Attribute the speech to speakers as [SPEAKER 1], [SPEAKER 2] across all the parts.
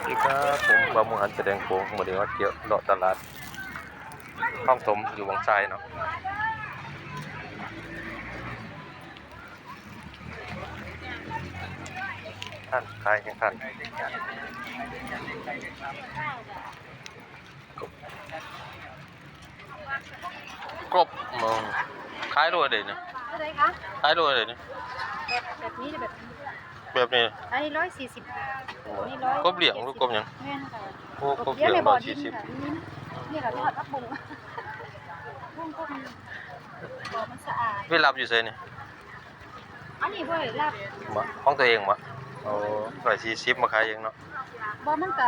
[SPEAKER 1] สวัสดีครับผมบามูหันแสดงโค้งมาเดี๋ยวเกี่ยวเลาะตลาดห้องถมอยู่วังไซเนาะท่านขายยังท่านกบมองขายด้วยเดี๋ยวนี้
[SPEAKER 2] อะไรคะ
[SPEAKER 1] ขายด้วยเดี๋ยวนี้
[SPEAKER 2] แบบนี้แบบ
[SPEAKER 1] แบบนี้
[SPEAKER 2] อันนี้140นี่
[SPEAKER 1] กบเหลี่ยงหรือกบหยัง
[SPEAKER 2] แม่นค่ะ
[SPEAKER 1] โอ้กบเหลี่ยง
[SPEAKER 2] ในบ่อดิน
[SPEAKER 1] 140
[SPEAKER 2] ค่ะนี่ค่ะทอดพักบุ้งบุ้งก็มีบ่อมันสะอาด
[SPEAKER 1] เวลาอยู่ไสนี่
[SPEAKER 2] อันนี้บ่ได้รับ
[SPEAKER 1] มาห้องตัวเองมาโอ้140มาขายเองเนาะ
[SPEAKER 2] บ่มันก็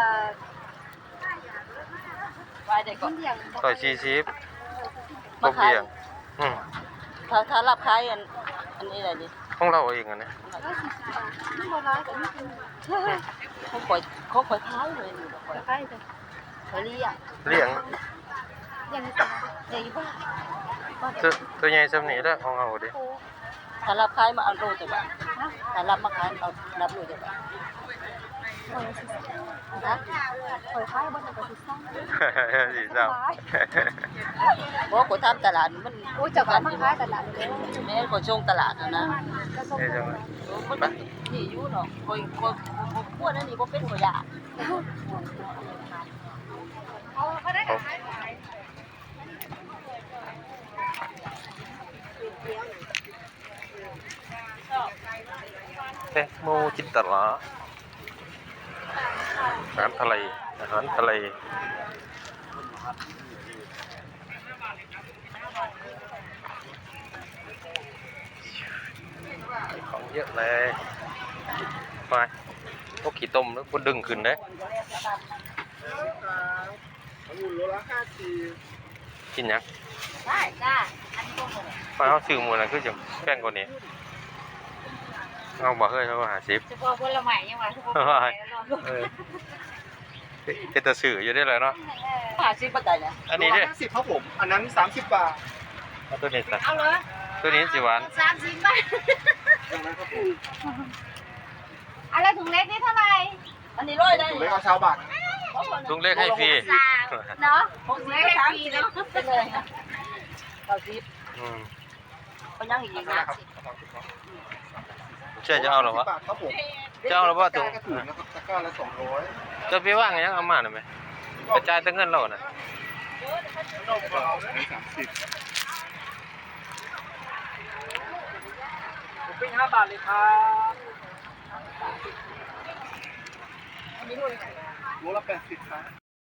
[SPEAKER 2] ไว้ได้ก่อนเลี้ยงบ่
[SPEAKER 1] 140กบเหลี่ยง
[SPEAKER 3] ถ้ารับขายอันนี้อะไรดิ
[SPEAKER 1] ของเราเองอันนี้
[SPEAKER 2] 140 บาทมันบ่ร้ายแต่นี่เป็น
[SPEAKER 3] เขาปล่อยขายเลยอยู่ปล่อย
[SPEAKER 2] ใกล้ๆจ้ะ
[SPEAKER 3] เขาเรียก
[SPEAKER 1] เลี้ยง
[SPEAKER 2] อย่างนี้จ้ะ
[SPEAKER 3] เดี๋ยวบ้า
[SPEAKER 1] ตัวใหญ่ซ้ำนี้แหละของเราดิ
[SPEAKER 2] โอ้
[SPEAKER 3] ถ้ารับขายมาเอาโลจะบ้า
[SPEAKER 2] นะ
[SPEAKER 3] ถ้ารับมาขายเอารับโลจะบ้า
[SPEAKER 2] 140
[SPEAKER 3] ฮะ
[SPEAKER 2] เปิดขายบ่ได้ก็สิซ่า
[SPEAKER 1] สีเศร้า
[SPEAKER 3] บอกกูทำตลาดมัน
[SPEAKER 2] โอ้ยเจ้าก็มาขายตลาดเลย
[SPEAKER 3] แม่ก็ช่วงตลาดนะ
[SPEAKER 2] ก็ส่ง
[SPEAKER 1] เอ้ยจังเลย
[SPEAKER 3] มันนี่อยู่เนาะคอยพวกนั้นนี่ก็เป็นขยะ
[SPEAKER 2] เอาก็ได้ค่ะ
[SPEAKER 1] โมจินตลาอาหารทะเลอาหารทะเลของเยอะเลยไปพวกขี้ต้มแล้วพวกดึงขึ้นได้กินยัง
[SPEAKER 3] ได้จ้าอันนี้ก็หมด
[SPEAKER 1] ไปเอาซื้อหมูนะคือจะแป้งกว่านี้เอาบ่เฮ้ยเขา50
[SPEAKER 2] เฉพาะผลไม้ยังว่าเฉพาะผลไม้แล้วเนาะ
[SPEAKER 1] เออเป็นตะสื่ออยู่ได้เลยเนาะ
[SPEAKER 3] 50บาทได้นะ
[SPEAKER 1] อันนี้เนี่ย
[SPEAKER 4] 50ครับผม อันนั้น 30 บาท
[SPEAKER 1] เอาตัวนี้สัก
[SPEAKER 2] เอาเลย
[SPEAKER 1] ตัวนี้สิหวาน
[SPEAKER 2] 30 บาทอะไรถุงเล็กนี่เท่าไหร่
[SPEAKER 3] อันนี้ร้อยได้
[SPEAKER 4] ถูกเลยเอาชาวบาท
[SPEAKER 1] ลุงเล็กให้ฟรี
[SPEAKER 2] 3เนาะถุงเล็กให้ฟรีเนาะ
[SPEAKER 3] เป็นเลย90
[SPEAKER 1] อืม
[SPEAKER 3] ก็ยังอีกนะ
[SPEAKER 1] เชื่อจะเอาหรอวะ
[SPEAKER 4] บาทครับผม
[SPEAKER 1] จะเอาหรอวะถุง
[SPEAKER 4] กระถุงนะครับตะกร้าละ200
[SPEAKER 1] จะไปว่างยังเอามาหน่อยไหมกระจายตั้งเงินเราน่ะ
[SPEAKER 4] 30
[SPEAKER 3] ผมเป็น5 บาทเลยครับ
[SPEAKER 4] โลละ80ครับ